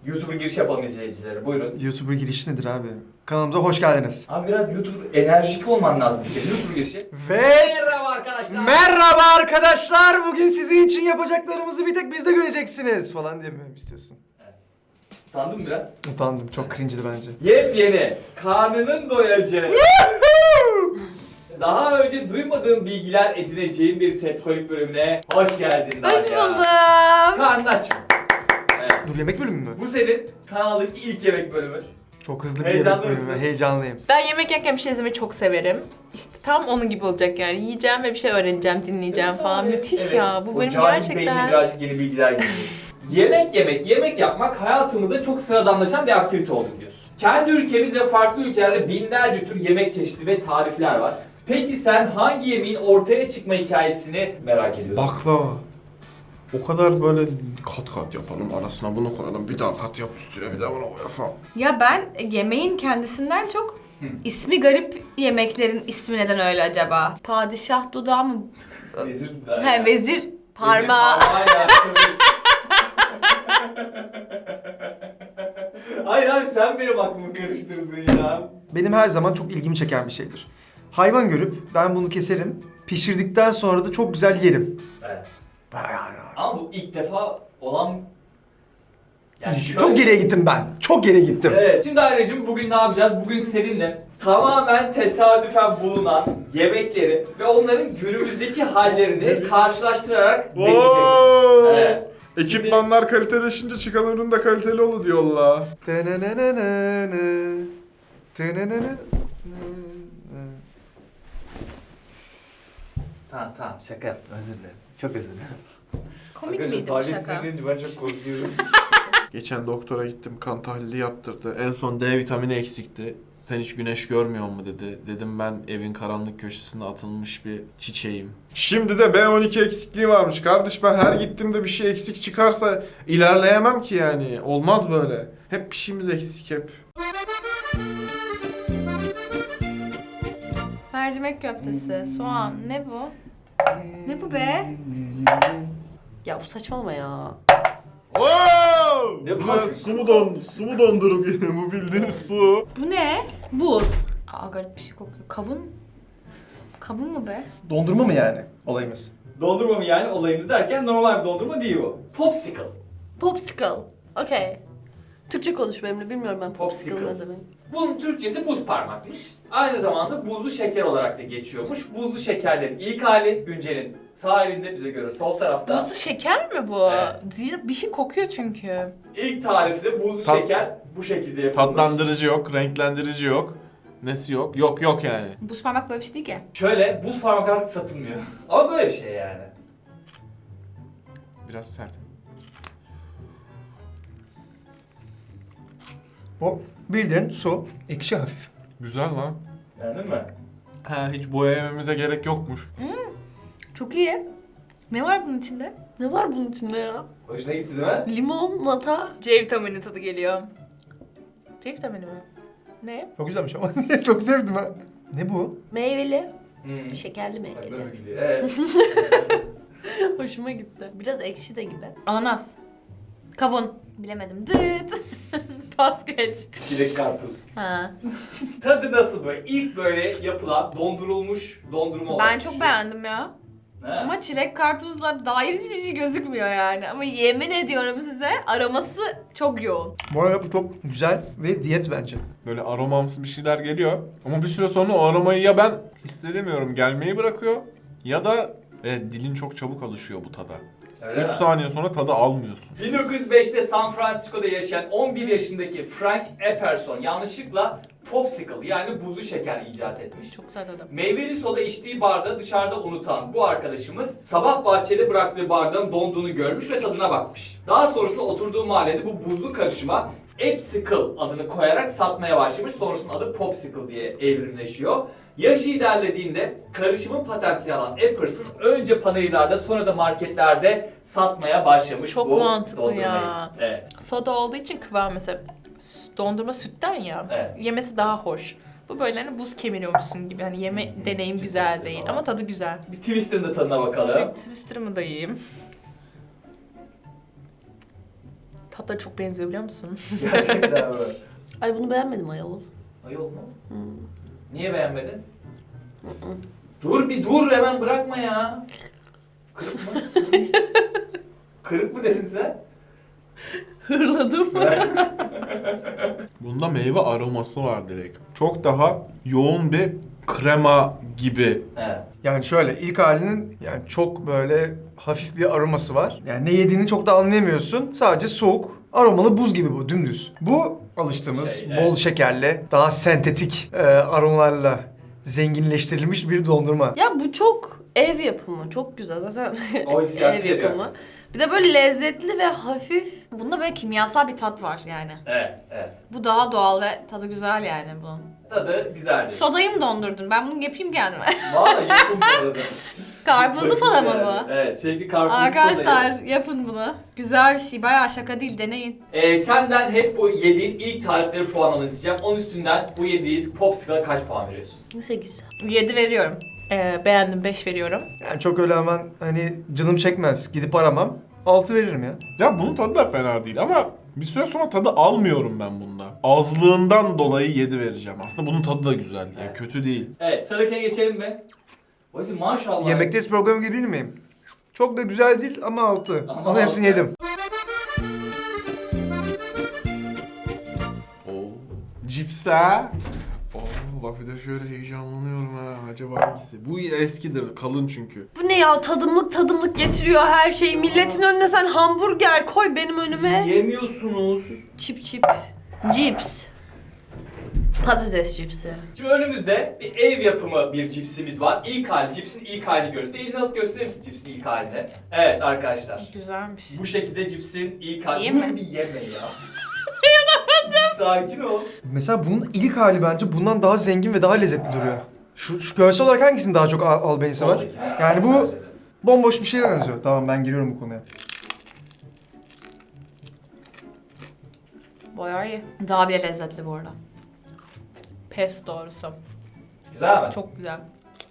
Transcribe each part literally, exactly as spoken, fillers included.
YouTuber giriş yapalım izleyicilere. Buyurun. YouTuber girişi nedir abi? Kanalımıza hoş geldiniz. Abi biraz YouTuber enerjik olman lazım bir kere. YouTuber girişi. Ve Merhaba arkadaşlar. merhaba arkadaşlar. Bugün sizin için yapacaklarımızı bir tek bizde göreceksiniz falan diye mi istiyorsun? Utandın mı biraz? Utandım. Çok cringe'di bence. Yepyeni, karnının doyacağı, daha önce duymadığım bilgiler edineceğim bir setkolik bölümüne hoş geldin Nadia. Hoş buldum. Karnın aç mı? Evet. Dur, yemek bölümü mü? Bu senin kanaldaki ilk yemek bölümü. Çok hızlı bir Heyecanlı yemek bölümü. mısın? Heyecanlıyım. Ben yemek yerken bir şey izlemeyi çok severim. İşte tam onun gibi olacak yani. Yiyeceğim ve bir şey öğreneceğim, dinleyeceğim falan. Müthiş Evet. ya. Bu O benim cahil beynine gerçekten... birazcık yeni bilgiler geliyor. Yemek yemek, yemek yapmak hayatımızda çok sıradanlaşan bir aktivite oldu diyorsun. Kendi ülkemiz ve farklı ülkelerde binlerce tür yemek çeşidi ve tarifler var. Peki sen hangi yemeğin ortaya çıkma hikayesini merak ediyorsun? Baklava. O kadar böyle kat kat yapalım, arasına bunu koyalım, bir daha kat yap üstüne, bir daha bunu koy falan. Ya ben yemeğin kendisinden çok Hı. ismi garip yemeklerin ismi neden öyle acaba? Padişah dudağı mı? Vezir dudağı He ya. vezir parmağı. Vezir parmağı ya. Hayır abi sen benim aklımı karıştırdın ya. Benim her zaman çok ilgimi çeken bir şeydir. Hayvan görüp ben bunu keserim. Pişirdikten sonra da çok güzel yerim. Evet. Yani, Ama bu ilk defa olan... Yani şöyle- Çok geriye gittim ben. Çok geriye gittim. Evet. Şimdi ailecim bugün ne yapacağız? Bugün seninle tamamen tesadüfen bulunan yemekleri ve onların günümüzdeki hallerini karşılaştırarak deneyeceğiz. Evet. Ekipmanlar kaliteleşince çıkan ürün de kaliteli olur diyorlar. Tınınınınını, tınınınını. Tamam tamam şaka yaptım özür dilerim. Çok özür dilerim. Komik miydi bu şaka? Ben çok korkuyorum. Geçen doktora gittim, kan tahlili yaptırdı. En son D vitamini eksikti. Sen hiç güneş görmüyor mu dedi. Dedim ben evin karanlık köşesinde atılmış bir çiçeğim. Şimdi de B on iki eksikliği varmış. Kardeş ben her gittiğimde bir şey eksik çıkarsa ilerleyemem ki yani. Olmaz böyle. Hep bir şeyimiz eksik hep. Mercimek köftesi, soğan. Ne bu? Ne bu be? Ya bu saçmalama ya. Oo! Ne Bu var? ne? Su mu don, su mu dondurup yine bu bildiğiniz su. Bu ne? Buz. Aa garip bir şey kokuyor. Kavun? Kavun mu be? Dondurma mı yani olayımız? Dondurma mı yani olayımız derken normal bir dondurma değil bu. Popsicle. Popsicle. Okey. Türkçe konuş benimle. Bilmiyorum ben popsicle, Popsicle. ne demek. Bunun Türkçesi buz parmakmış. Aynı zamanda buzlu şeker olarak da geçiyormuş. Buzlu şekerlerin ilk hali Güncel'in sağ elinde bize göre sol tarafta. Buzlu şeker mi bu? Evet. Zira bir şey kokuyor çünkü. İlk tarifte buzlu Tat- şeker bu şekilde yapılmış. Tatlandırıcı yok, renklendirici yok. Nesi yok? Yok yok yani. Buz parmak böyle bir şey değil ki. Şöyle buz parmak artık satılmıyor. Ama böyle bir şey yani. Biraz sert. O bildiğin su, ekşi hafif. Güzel lan. Beğendin mi? Ha hiç boya yememize gerek yokmuş. Çok iyi. Ne var bunun içinde? Ne var bunun içinde ya? Hoşuna gitti değil mi? Limon, nata. C vitamini tadı geliyor. C vitamini mi? Ne? Çok güzelmiş ama çok sevdim ha. Ne bu? Meyveli. Hmm. Şekerli Bak meyveli. nasıl gidiyor. Evet. Hoşuma gitti. Biraz ekşi de gibi. Ananas. Kavun. Bilemedim. Dıt. Pas geç. Çilek karpuz. Ha. Tadı nasıl böyle? İlk böyle yapılan dondurulmuş dondurma olarak Ben çok düşün. beğendim ya. He. Ama çilek karpuzla dair hiçbir şey gözükmüyor yani. Ama yemin ediyorum size aroması çok yoğun. Bu arada bu çok güzel ve diyet bence. Böyle aromamsı bir şeyler geliyor. Ama bir süre sonra o aromayı ya ben hissedemiyorum, gelmeyi bırakıyor. Ya da evet, dilin çok çabuk alışıyor bu tada. Öyle üç mi? saniye sonra tadı almıyorsun. bin dokuz yüz beşte San Francisco'da yaşayan on bir yaşındaki Frank Epperson yanlışlıkla popsicle yani buzlu şeker icat etmiş. Çok güzel tadı. Meyveli soda içtiği bardağı dışarıda unutan bu arkadaşımız sabah bahçede bıraktığı bardağın donduğunu görmüş ve tadına bakmış. Daha sonrasında oturduğu mahallede bu buzlu karışıma Epsicle adını koyarak satmaya başlamış. Sonrasında adı Popsicle diye evrimleşiyor. Yaşı ilerlediğinde karışımın patentini alan Epperson önce panayırlarda sonra da marketlerde satmaya başlamış Çok bu mantıklı dondurmayı. ya. Evet. Soda olduğu için kıvam mesela s- dondurma sütten ya. Evet. Yemesi daha hoş. Bu böyle hani buz kemiriyormuşsun gibi. Hani yeme deneyim Ciddi güzel işte değil falan. ama tadı güzel. Bir Twister'ın da tadına bakalım. Bir Twister'ımı da yiyeyim. Tatları çok benziyor biliyor musun? Gerçekten mi? Ay bunu beğenmedim ayol. Ayol mu? Hmm. Niye beğenmedin? Hı hı. Dur bir dur hemen bırakma ya. Kırık mı? Kırık mı dedin sen? Hırladım. Bunda meyve aroması var direkt. Çok daha yoğun bir krema gibi. Evet. Yani şöyle ilk halinin yani çok böyle hafif bir aroması var. Yani ne yediğini çok da anlayamıyorsun. Sadece soğuk, aromalı buz gibi bu dümdüz. Bu alıştığımız Şey, bol evet. şekerli, daha sentetik e, aromalarla zenginleştirilmiş bir dondurma. Ya bu çok ev yapımı. Çok güzel zaten. O hissiyatı ev veriyor. yapımı. Bir de böyle lezzetli ve hafif. Bunda böyle kimyasal bir tat var yani. Evet, evet. Bu daha doğal ve tadı güzel yani bunun. Tadı güzeldi. Sodayı mı dondurdun? Ben bunu yapayım kendime. Vallahi yakın bu arada. Karpuzlu soda mı Yani. bu? Evet, çünkü karpuzlu Arkadaşlar sodayı. yapın bunu. Güzel bir şey. Bayağı şaka değil. Deneyin. Ee, senden hep bu yediğin ilk tarifleri puanlamanı isteyeceğim. onun üstünden bu yediğin popsicle'a kaç puan veriyorsun? sekiz. yedi veriyorum. Ee, beğendim beş veriyorum. Yani çok öyle hemen hani canım çekmez, gidip aramam. altı veririm ya. Ya bunun tadı da fena değil ama bir süre sonra tadı almıyorum ben bunda. Azlığından dolayı yedi vereceğim. Aslında bunun tadı da güzel. Yani Evet. kötü değil. Evet, sıradakine geçelim mi? Oysa maşallah. Yemekteyiz programı gibi değil miyim? Çok da güzel değil ama altı. Ama Ama, hepsini altı. yedim. Oo. Cipsler. Oo, bak bir de şöyle heyecanlanıyorum ha. Acaba hangisi? Bu eskidir. Kalın çünkü. Bu ne ya? Tadımlık tadımlık getiriyor her şeyi. Milletin önüne sen hamburger koy benim önüme. Yemiyorsunuz. Çip çip. Cips. Patates cipsi. Şimdi önümüzde bir ev yapımı bir cipsimiz var. İlk hali, cipsin ilk halini görüyoruz. Bir elini alıp gösterir misin cipsin ilk halini? Evet arkadaşlar. Güzelmiş. Bu şekilde cipsin ilk hali. Yiyeyim Dur mi? bir yeme ya. Sakin ol. Mesela bunun ilk hali bence bundan daha zengin ve daha lezzetli duruyor. Şu, şu görsel olarak hangisinin daha çok al- albenisi var? Soldaki. Yani bu Bence de. bomboş bir şeye benziyor. Tamam ben giriyorum bu konuya. Bayağı iyi. Daha bile lezzetli bu arada. Pes doğrusu. Güzel mi? Çok güzel.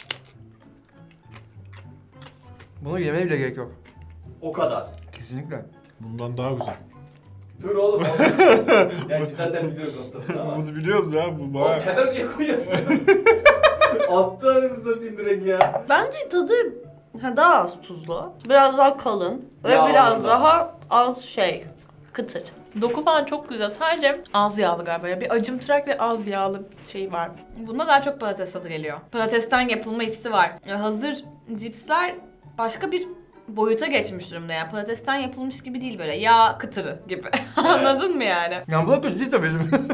Bunu yemeye bile gerek yok. O kadar. Kesinlikle. Bundan daha güzel. Dur oğlum. Gerçi zaten biliyoruz o tadını ama. Bunu biliyoruz ya. Bu Oğlum bayağı... kenara niye koyuyorsun? Attı anasını satayım direkt ya. Bence tadı ha, daha az tuzlu. Biraz daha kalın. Ve Yağlı biraz da daha az. az şey. Kıtır. Doku falan çok güzel. Sadece az yağlı galiba. Ya. Bir acımtırak ve az yağlı şey var. Bunda daha çok patates tadı geliyor. Patatesten yapılma hissi var. Ya hazır cipsler başka bir boyuta geçmiş durumda yani. Patatesten yapılmış gibi değil böyle. Yağ kıtırı gibi. Anladın mı yani? Yani bu da kötü değil tabii.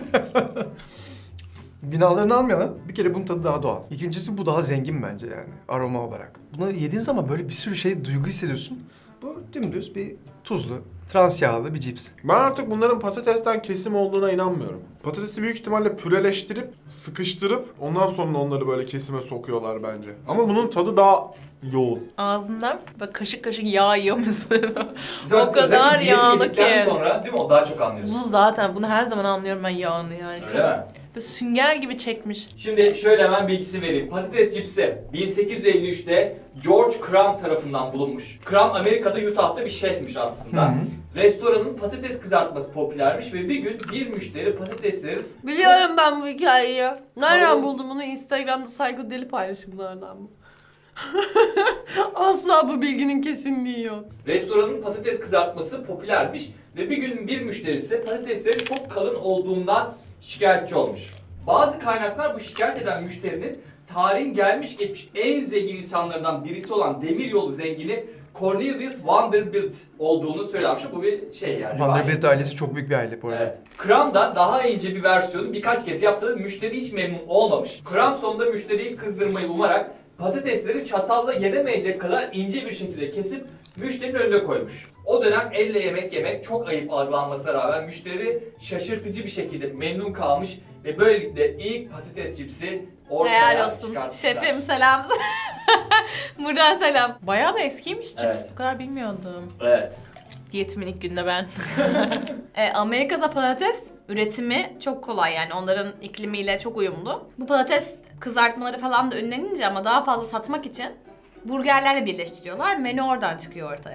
Günahlarını almayalım. Bir kere bunun tadı daha doğal. İkincisi bu daha zengin bence yani aroma olarak. Bunu yediğin zaman böyle bir sürü şey duygu hissediyorsun. Bu dümdüz bir tuzlu, trans yağlı bir cips. Ben artık bunların patatesten kesim olduğuna inanmıyorum. Patatesi büyük ihtimalle püreleştirip, sıkıştırıp ondan sonra onları böyle kesime sokuyorlar bence. Ama bunun tadı daha yoğun. Ağzından bak kaşık kaşık yağ yiyor musun? Zaten O kadar özellikle yağlı yedikten ki. sonra değil mi? O daha çok anlıyorsun. Bu zaten bunu her zaman anlıyorum ben yağını yani. Öyle mi? Böyle sünger gibi çekmiş. Şimdi şöyle hemen bilgisini vereyim. Patates cipsi bin sekiz yüz elli üçte George Crumb tarafından bulunmuş. Crumb Amerika'da Utah'ta bir şefmiş aslında. Hı hı. Restoranın patates kızartması popülermiş ve bir gün bir müşteri patatesleri Biliyorum ben bu hikayeyi. Nereden Tamam. buldum bunu? Instagram'da psikodelik paylaşımlardan mı? Asla bu bilginin kesinliği yok. restoranın patates kızartması popülermiş ve bir gün bir müşterisi patateslerin çok kalın olduğundan şikayetçi olmuş. Bazı kaynaklar bu şikayet eden müşterinin tarihin gelmiş geçmiş en zengin insanlarından birisi olan demiryolu zengini Cornelius Vanderbilt olduğunu söylemiş. Bu bir şey yani. Vanderbilt ailesi çok büyük bir aile bu arada. Evet. Crumb daha ince bir versiyonu birkaç kez yapsa da müşteri hiç memnun olmamış. Crumb sonunda müşteriyi kızdırmayı umarak patatesleri çatalla yenemeyecek kadar ince bir şekilde kesip müşterinin önüne koymuş. O dönem elle yemek yemek çok ayıp algılanmasına rağmen müşteri şaşırtıcı bir şekilde memnun kalmış ve böylelikle ilk patates cipsi ortaya Helal olsun. çıkartmışlar. Şefim selam. Buradan selam. Bayağı da eskiymiş cips. Evet. Bu kadar bilmiyordum. Evet. Diyetimin ilk günde ben. E, Amerika'da patates üretimi çok kolay yani onların iklimiyle çok uyumlu. Bu patates kızartmaları falan da ünlenince ama daha fazla satmak için burgerlerle birleştiriyorlar. Menü oradan çıkıyor ortaya.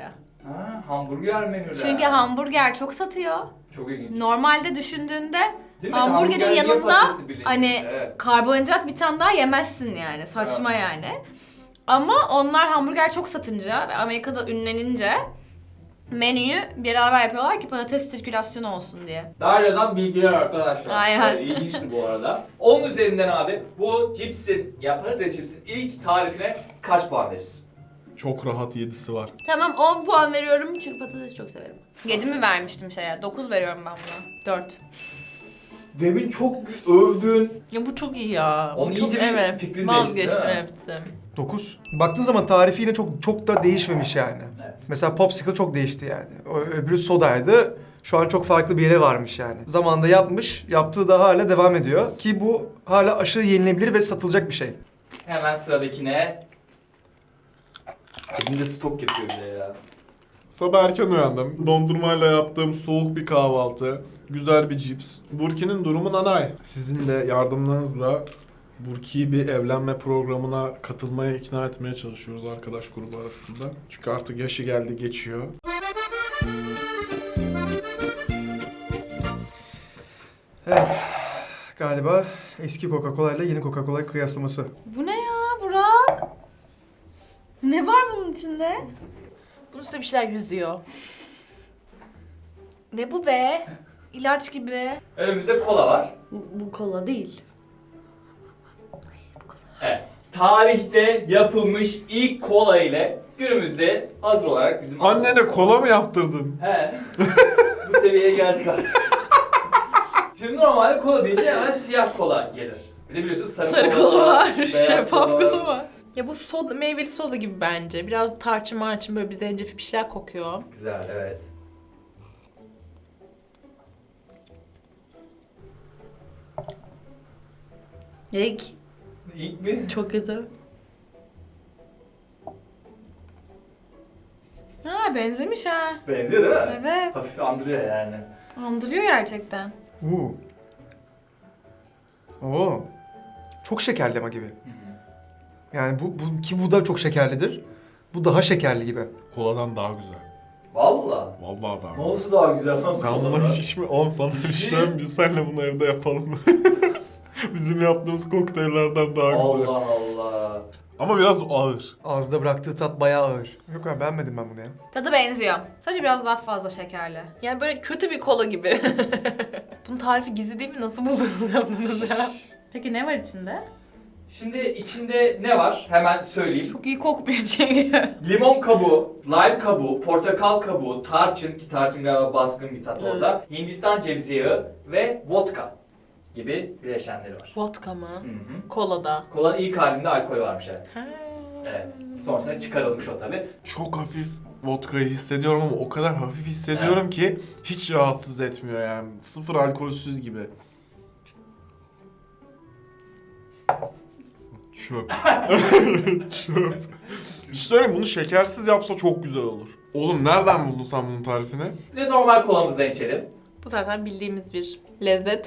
Ha, hamburger menüler. Çünkü hamburger çok satıyor. Çok ilginç. Normalde düşündüğünde Değil mi? hamburgerin Hamburger niye yanında patatesi birleştirmiş? hani Evet. karbonhidrat bir tane daha yemezsin yani. Saçma Evet. yani. Ama onlar hamburger çok satınca ve Amerika'da ünlenince menüyü beraber yapıyorlar ki patates sirkülasyonu olsun diye. Daryo'dan bilgiler arkadaşlar. Aynen. Ee, İlginçti bu arada. Onun üzerinden abi bu cipsin, ya patates cipsin ilk tarifine kaç puan verirsin? Çok rahat yedisi var. Tamam on puan veriyorum çünkü patatesi çok severim. yedi mi vermiştim şeye? dokuz veriyorum ben buna. Dört. Demin çok övdün. Ya bu çok iyi ya. Onun Bu çok, iyice bir evet, fikrin vazgeçtim değişti, hepsi. dokuz. Baktığın zaman tarifi yine çok çok da değişmemiş yani. Evet. Mesela Popsicle çok değişti yani. O öbürü sodaydı. Şu an çok farklı bir yere varmış yani. Zamanında yapmış, yaptığı da hala devam ediyor. Ki bu hala aşırı yenilebilir ve satılacak bir şey. Hemen sıradakine. Elimde stok yapıyor bir de ya. Sabah erken uyandım. Dondurmayla yaptığım soğuk bir kahvaltı. Güzel bir cips. Burki'nin durumu nanay. Sizin de yardımlarınızla Burki'yi bir evlenme programına katılmaya ikna etmeye çalışıyoruz arkadaş grubu arasında. Çünkü artık yaşı geldi geçiyor. Evet. Galiba eski Coca-Cola ile yeni Coca-Cola kıyaslaması. Bu ne ya Burak? Ne var bunun içinde? Bunun üstünde bir şeyler yüzüyor. Ne bu be? İlaç gibi. Önümüzde kola var. Bu, bu kola değil. Evet. Tarihte yapılmış ilk kola ile günümüzde hazır olarak bizim... Annene kola mı yaptırdın? He. Bu seviyeye geldik artık. Şimdi normalde kola deyince hemen siyah kola gelir. Bir de biliyorsunuz sarı, Sarı kola kola var, beyaz şeffaf kola kola var. Ya bu soda, meyveli soda gibi bence. Biraz tarçın marçın böyle bir zencefil bir şeyler kokuyor. Güzel, evet. İlk. İlk mi? Çok kötü. Ha benzemiş ha. Benziyor değil mi? Evet. Hafif andırıyor yani. Andırıyor gerçekten. Uuu. Oo. Çok şekerli ama gibi. Yani bu, bu ki bu da çok şekerlidir. Bu daha şekerli gibi. Koladan daha güzel. Valla. Vallahi daha güzel. Nasıl daha güzel lan Sen kolada? buna hiç mi? Oğlum sana şişeceğim biz seninle bunu evde yapalım mı? Bizim yaptığımız kokteyllerden daha güzel. Allah Allah. Ama biraz ağır. Ağızda bıraktığı tat bayağı ağır. Yok abi beğenmedim ben bunu ya. Tadı benziyor. Sadece biraz daha fazla şekerli. Yani böyle kötü bir kola gibi. Bunun tarifi gizli değil mi? Nasıl buldunuz yaptınız ya? Peki ne var içinde? Şimdi içinde ne var? Hemen söyleyeyim. Çok iyi kokmuyor çünkü. Limon kabuğu, lime kabuğu, portakal kabuğu, tarçın ki tarçın galiba baskın bir tat orada. Hindistan cevizi yağı ve vodka gibi bileşenleri var. Vodka mı? Hı hı. Kolada. Kolanın ilk halinde alkol varmış evet. Ha. Evet. Sonrasında çıkarılmış o tabi. Çok hafif vodkayı hissediyorum ama o kadar hafif hissediyorum ki hiç rahatsız etmiyor yani. Sıfır alkolsüz gibi. Çöp. Çöp. İşte söyleyeyim bunu şekersiz yapsa çok güzel olur. Oğlum nereden buldun sen bunun tarifini? Bir de normal kolamızdan içelim. Bu zaten bildiğimiz bir lezzet.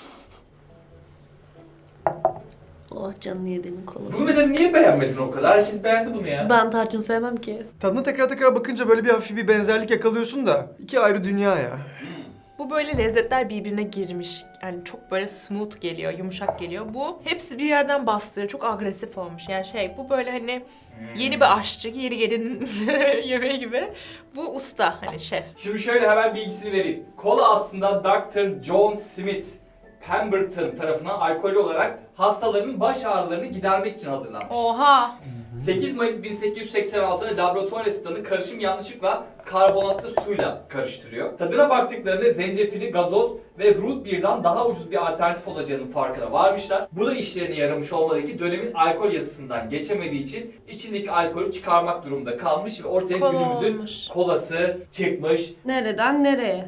Oh canını yediğimin Bunu kolası. mesela niye beğenmedin o kadar? Herkes beğendi bunu ya. Ben tarçın sevmem ki. Tadına tekrar tekrar bakınca böyle bir hafif bir benzerlik yakalıyorsun da iki ayrı dünya ya. Bu böyle lezzetler birbirine girmiş. Yani çok böyle smooth geliyor, yumuşak geliyor. Bu hepsi bir yerden bastırıyor. Çok agresif olmuş. Yani şey bu böyle hani yeni bir aşçı, yeni gelin yemeği gibi. Bu usta hani şef. Şimdi şöyle hemen bilgisini vereyim. Kola aslında doktor John Smith Pemberton tarafından alkolü olarak hastaların baş ağrılarını gidermek için hazırlanmış. Oha. sekiz Mayıs bin sekiz yüz seksen altıda laboratuvar asistanı karışım yanlışlıkla karbonatlı suyla karıştırıyor. Tadına baktıklarında zencefili, gazoz ve root beer'dan daha ucuz bir alternatif olacağının farkına varmışlar. Bu da işlerine yaramış olmalı ki dönemin alkol yasasından geçemediği için içindeki alkolü çıkarmak durumunda kalmış ve ortaya Kola günümüzün olmuş. kolası çıkmış. Nereden nereye?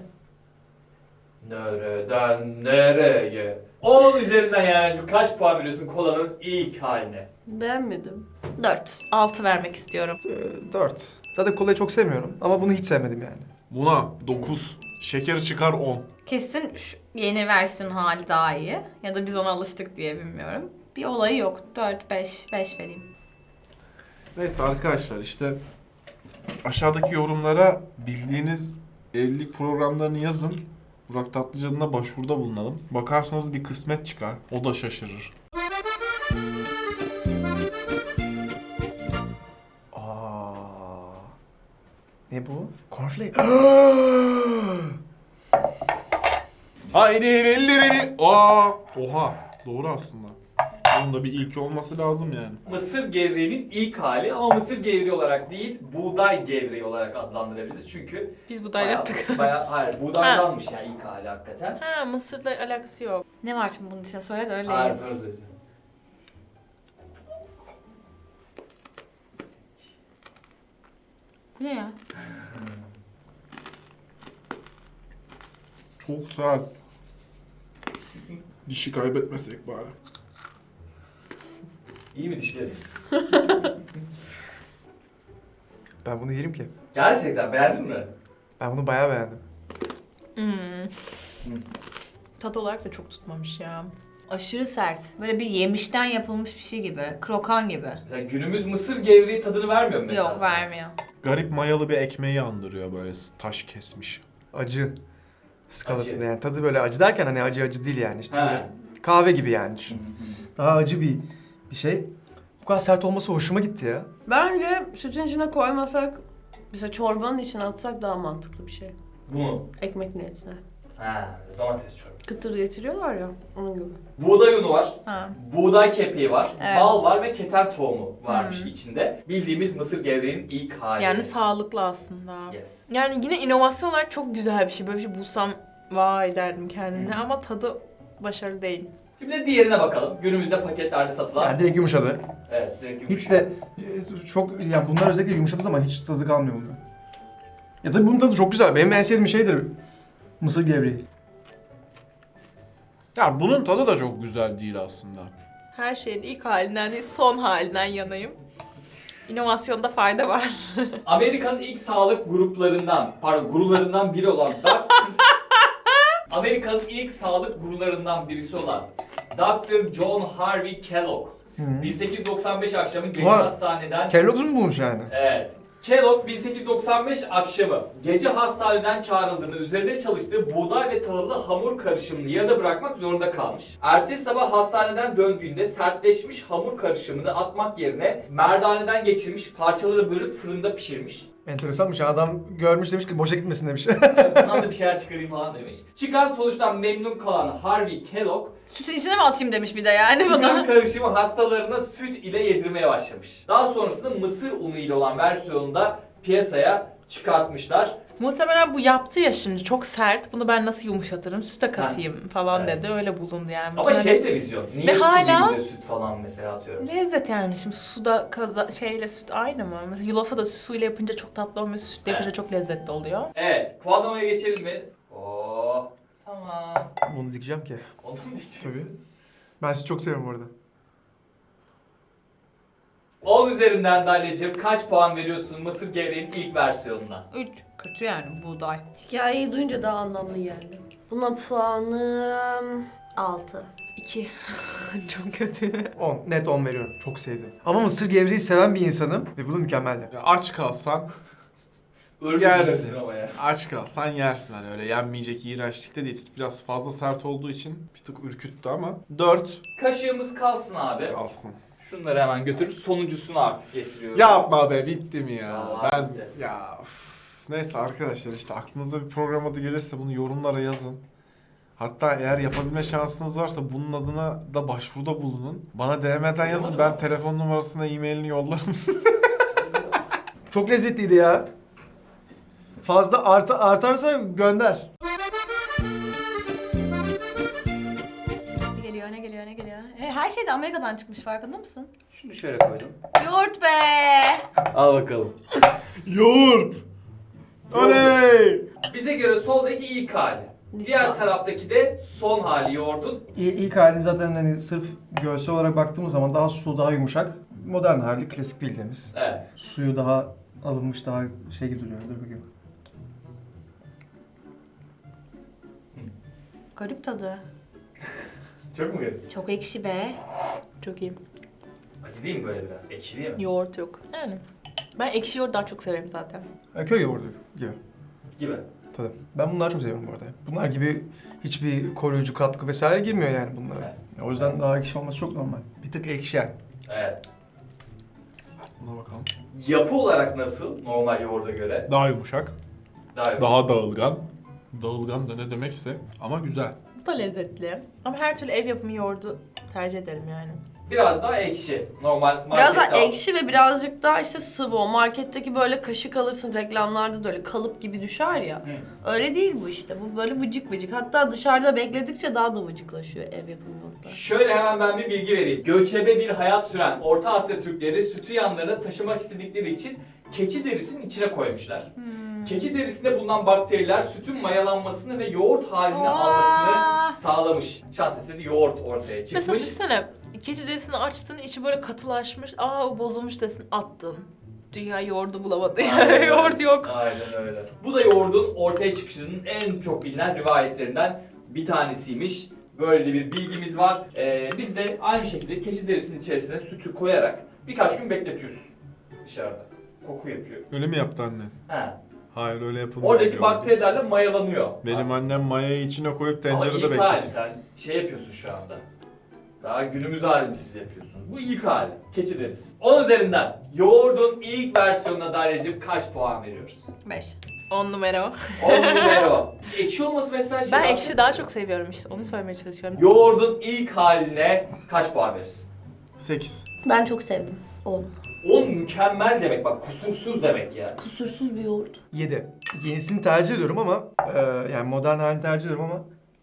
Nereden nereye? on üzerinden yani kaç puan veriyorsun kolanın ilk haline? Beğenmedim. Dört. Altı vermek istiyorum. Ee, dört. Zaten kolayı çok sevmiyorum ama bunu hiç sevmedim yani. Buna dokuz. Şekeri çıkar on. Kesin şu yeni versiyon hali daha iyi. Ya da biz ona alıştık diye bilmiyorum. Bir olayı yok. dört, beş, beş vereyim. Neyse arkadaşlar işte Aşağıdaki yorumlara bildiğiniz evlilik programlarını yazın. Burak Tatlıcan'ına başvuruda bulunalım. Bakarsanız bir kısmet çıkar. O da şaşırır. Aa. Ne bu? Cornflake. Haydi ellerini. Aa, oha. Doğru aslında. Bunun da bir ilki olması lazım yani. Mısır gevreğinin ilk hali ama mısır gevreği olarak değil, buğday gevreği olarak adlandırabiliriz. Çünkü Biz buğday bayağı- yaptık. Bayağı, hayır, buğdaydanmış yani ilk hali hakikaten. Ha, Mısır'la alakası yok. Ne var şimdi bunun içine söyle de öyle Hayır, yiyeyim. sonra söyleyeceğim. Bu ne ya? Çok sert. Dişi kaybetmesek bari. İyi mi dişleri? Ben bunu yerim ki. Gerçekten beğendin mi? Ben bunu bayağı beğendim. Hmm. Tat olarak da çok tutmamış ya. Aşırı sert. Böyle bir yemişten yapılmış bir şey gibi. Krokan gibi. Mesela günümüz mısır gevreği tadını vermiyor mu mesela? Yok sana? vermiyor. Garip mayalı bir ekmeği andırıyor böyle taş kesmiş. Acı skalasında Acı. yani. Tadı böyle acı derken hani acı acı değil yani. İşte He. böyle kahve gibi yani düşün. Daha acı bir bir şey. Bu kadar sert olması hoşuma gitti ya. Bence sütün içine koymasak, mesela çorbanın içine atsak daha mantıklı bir şey. Bu mu? Ekmek niyetine. Ha, domates çorbası. Kıtır getiriyorlar ya, onun gibi. Buğday unu var. Ha. Buğday kepeği var, Evet. bal var ve keten tohumu varmış Hmm. içinde. Bildiğimiz mısır gevreğinin ilk hali. Yani sağlıklı aslında. Yes. Yani yine inovasyon olarak çok güzel bir şey. Böyle bir şey bulsam vay derdim kendimle ama tadı başarılı değil. Şimdi de diğerine bakalım. Günümüzde paketlerde satılan. Yani direkt yumuşadı. Evet, direkt yumuşak. Hiç de e, çok yani bunlar özellikle yumuşadığı zaman hiç tadı kalmıyor bunun. Ya tabii bunun tadı çok güzel. Benim en sevdiğim şeydir mısır gevreği. Ya bunun tadı da çok güzel değil aslında. Her şeyin ilk halinden değil son halinden yanayım. İnovasyonda fayda var. Amerika'nın ilk sağlık gruplarından, pardon gurularından biri olan Doc- Amerika'nın ilk sağlık gurularından birisi olan doktor John Harvey Kellogg. Hı. bin sekiz yüz doksan beş akşamı gece Vay. hastaneden... Kellogg's mu bulmuş yani? Evet. Kellogg bin sekiz yüz doksan beş akşamı gece hastaneden çağrıldığında üzerinde çalıştığı buğday ve tahıllı hamur karışımını yarıda bırakmak zorunda kalmış. Ertesi sabah hastaneden döndüğünde sertleşmiş hamur karışımını atmak yerine merdaneden geçirmiş, parçaları bölüp fırında pişirmiş. Enteresanmış. Adam görmüş demiş ki boşa gitmesin demiş. Bundan da bir şeyler çıkarayım falan demiş. Çıkan sonuçtan memnun kalan Harvey Kellogg, Sütün içine mi atayım demiş bir de yani çıkan bana. karışımı hastalarına süt ile yedirmeye başlamış. Daha sonrasında mısır unu ile olan versiyonunu da piyasaya çıkartmışlar. Muhtemelen bu yaptı ya şimdi çok sert. Bunu ben nasıl yumuşatırım? Süte katayım falan Evet. dedi. Öyle bulundu yani. Ama Muhtemelen şey de vizyon. Niye Ve su hala- değil de süt falan mesela atıyorum. lezzet yani. Şimdi suda kaza şeyle süt aynı mı? Mesela yulafı da suyla yapınca çok tatlı olmuyor. Sütle yapınca Evet. çok lezzetli oluyor. Evet, puanlamaya geçelim mi? Oo, tamam. Onu dikeceğim ki. Onu mu diyeceksin? Tabii. Ben sizi çok seviyorum bu arada. on üzerinden Dalya'cığım kaç puan veriyorsun Mısır gevreğinin ilk versiyonuna? Üç. Kötü yani buğday. Hikayeyi duyunca daha anlamlı geldi. Buna puanım altı. İki. Çok kötü. on. Net on veriyorum. Çok sevdim. Ama mısır gevreği seven bir insanım ve bu da mükemmeldi. Ya aç kalsan, Ölüm Yersin. üzerinden ama ya. aç kalsan yersin hani öyle yenmeyecek iğrençlikte değil. Biraz fazla sert olduğu için bir tık ürküttü ama dört Kaşığımız kalsın abi. kalsın. Şunları hemen götürüp sonuncusunu artık getiriyorum. Yapma be bitti mi ya? Vallahi ben bitti. ya üf. Neyse arkadaşlar işte aklınıza bir program adı gelirse bunu yorumlara yazın. Hatta eğer yapabilme şansınız varsa bunun adına da başvuruda bulunun. Bana D M'den yazın ben telefon numarasına e-mailini yollarım size. Çok lezzetliydi ya. Fazla arta, artarsa gönder. Ne geliyor ne geliyor ne geliyor. He, her şey de Amerika'dan çıkmış farkında mısın? Şunu şöyle koydum. Yoğurt be. Al bakalım. Yoğurt! Oley! Bize göre soldaki ilk hali. Diğer taraftaki de son hali yoğurdun. İ- İlk hali zaten hani sırf görsel olarak baktığımız zaman daha sulu, daha yumuşak. Modern hali klasik bildiğimiz. Evet. Suyu daha alınmış, daha şey gibi duruyor. Dur bakayım. Garip tadı. Çok mu garip? Çok ekşi be. Çok iyi. Acı değil mi böyle biraz? Ekşi değil mi? Yoğurt yok. Yani Ben ekşi yoğurdu daha çok severim zaten. Ha, köy yoğurdu gibi. Gibi. Tabii. Ben bunları çok seviyorum bu arada. Bunlar gibi hiçbir koruyucu katkı vesaire girmiyor yani bunlara. Evet. O yüzden daha ekşi olması çok normal. Bir tık ekşen. Evet. Buna bakalım. Yapı olarak nasıl normal yoğurda göre? Daha yumuşak, Daha, daha dağılgan. Dağılgan da ne demekse ama güzel. Bu da lezzetli. Ama her türlü ev yapımı yoğurdu tercih ederim yani. Biraz daha ekşi. Normal markette Biraz daha al- ekşi ve birazcık daha işte sıvı. O marketteki böyle kaşık alırsın reklamlarda da öyle kalıp gibi düşer ya. Hı. Öyle değil bu işte. Bu böyle vıcık vıcık. Hatta dışarıda bekledikçe daha da vıcıklaşıyor ev yapımı yoğurtlar. Şöyle hemen ben bir bilgi vereyim. Göçebe bir hayat süren Orta Asya Türkleri sütü yanlarına taşımak istedikleri için keçi derisinin içine koymuşlar. Keçi derisinde bulunan bakteriler sütün mayalanmasını ve yoğurt halini almasını sağlamış. Şans eseri yoğurt ortaya Mesela çıkmış. düşünsene, keçi derisini açtın, içi böyle katılaşmış, aa o bozulmuş desin, attın. Dünya yoğurdu bulamadı Aynen. yoğurt yok. Aynen öyle. Bu da yoğurdun ortaya çıkışının en çok bilinen rivayetlerinden bir tanesiymiş. Böyle de bir bilgimiz var. Ee, biz de aynı şekilde keçi derisinin içerisine sütü koyarak birkaç gün bekletiyoruz dışarıda. Koku yapıyor. Öyle mi yaptı annen? He. Hayır öyle yapılmıyor. Oradaki diyor. bakterilerle mayalanıyor. Benim aslında. annem mayayı içine koyup Ama tencerede ilk hali bekletiyor. sen şey yapıyorsun şu anda. Daha günümüz halini siz yapıyorsunuz. Bu ilk hali. Keçi deriz. on üzerinden yoğurdun ilk versiyonuna Dalya'cığım kaç puan veriyoruz? beş. On numara o. on numara. Ekşi olması mesela şey Ben var. ekşi daha çok seviyorum işte, onu söylemeye çalışıyorum. Yoğurdun ilk haline kaç puan verirsin? sekiz. Ben çok sevdim. On. on mükemmel demek bak, kusursuz demek yani. Kusursuz bir yoğurt. yedi. Yenisini tercih ediyorum ama e, yani modern halini tercih ediyorum ama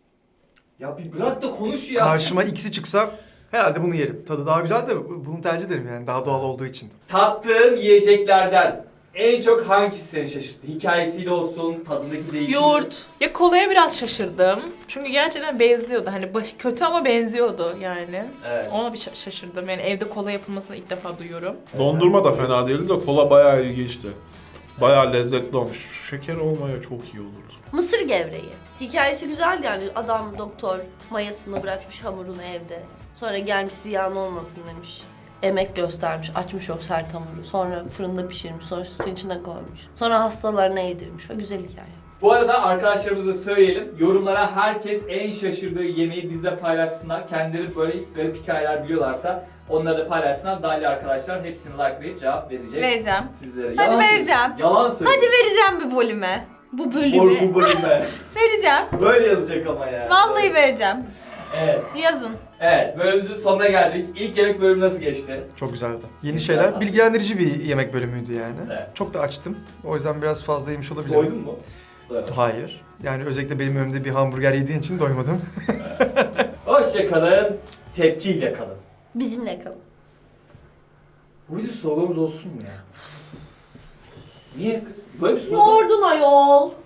Ya bir bırak da konuş ya. karşıma ikisi çıksa herhalde bunu yerim. Tadı daha güzel de bu- bunu tercih ederim yani daha doğal olduğu için. Tattığın yiyeceklerden en çok hangisi seni şaşırttı? Hikayesiyle olsun, tadındaki değişim. Yoğurt. Ya kolaya biraz şaşırdım. Çünkü gerçekten benziyordu. Hani baş, kötü ama benziyordu yani. Evet. Ona bir şa- şaşırdım. Yani evde kola yapılmasını ilk defa duyuyorum. Dondurma da fena değildi de kola bayağı ilginçti. Bayağı lezzetli olmuş. Şeker olmaya çok iyi olurdu. Mısır gevreği. Hikayesi güzel yani. Adam doktor mayasını bırakmış hamurunu evde. Sonra gelmiş ziyan olmasın demiş. Emek göstermiş, açmış o sert hamuru. Sonra fırında pişirmiş, sonra sütün içine koymuş. Sonra hastalarına yedirmiş ve güzel hikaye. Bu arada arkadaşlarımıza da söyleyelim. Yorumlara herkes en şaşırdığı yemeği bizle paylaşsınlar. Kendileri böyle garip hikayeler biliyorlarsa onları da paylaşsınlar. Dahil arkadaşlar hepsini likelayıp cevap verecek. Vereceğim. Sizlere. Hadi Yalan vereceğim. söylüyorsun. Yalan söylüyorsun. Hadi vereceğim bir bölüme. Bu Or bölümü bu bölüme. vereceğim. Böyle yazacak ama yani. Vallahi vereceğim. Evet. Yazın. Evet, bölümümüzün sonuna geldik. İlk yemek bölümü nasıl geçti? Çok güzeldi. Yeni Güzel şeyler, tadı. bilgilendirici bir yemek bölümüydü yani. Evet. Çok da açtım. O yüzden biraz fazla yemiş olabilirim. Doydun mu? Doyamadım. Hayır. Yani özellikle benim önümde bir hamburger yediğin için doymadım. Hoşça kalın, tepkiyle kalın. Bizimle kalın. Bu bizim sloganımız olsun mu ya? Niye kız? Böyle bir slogan. Yoğurdun ayol.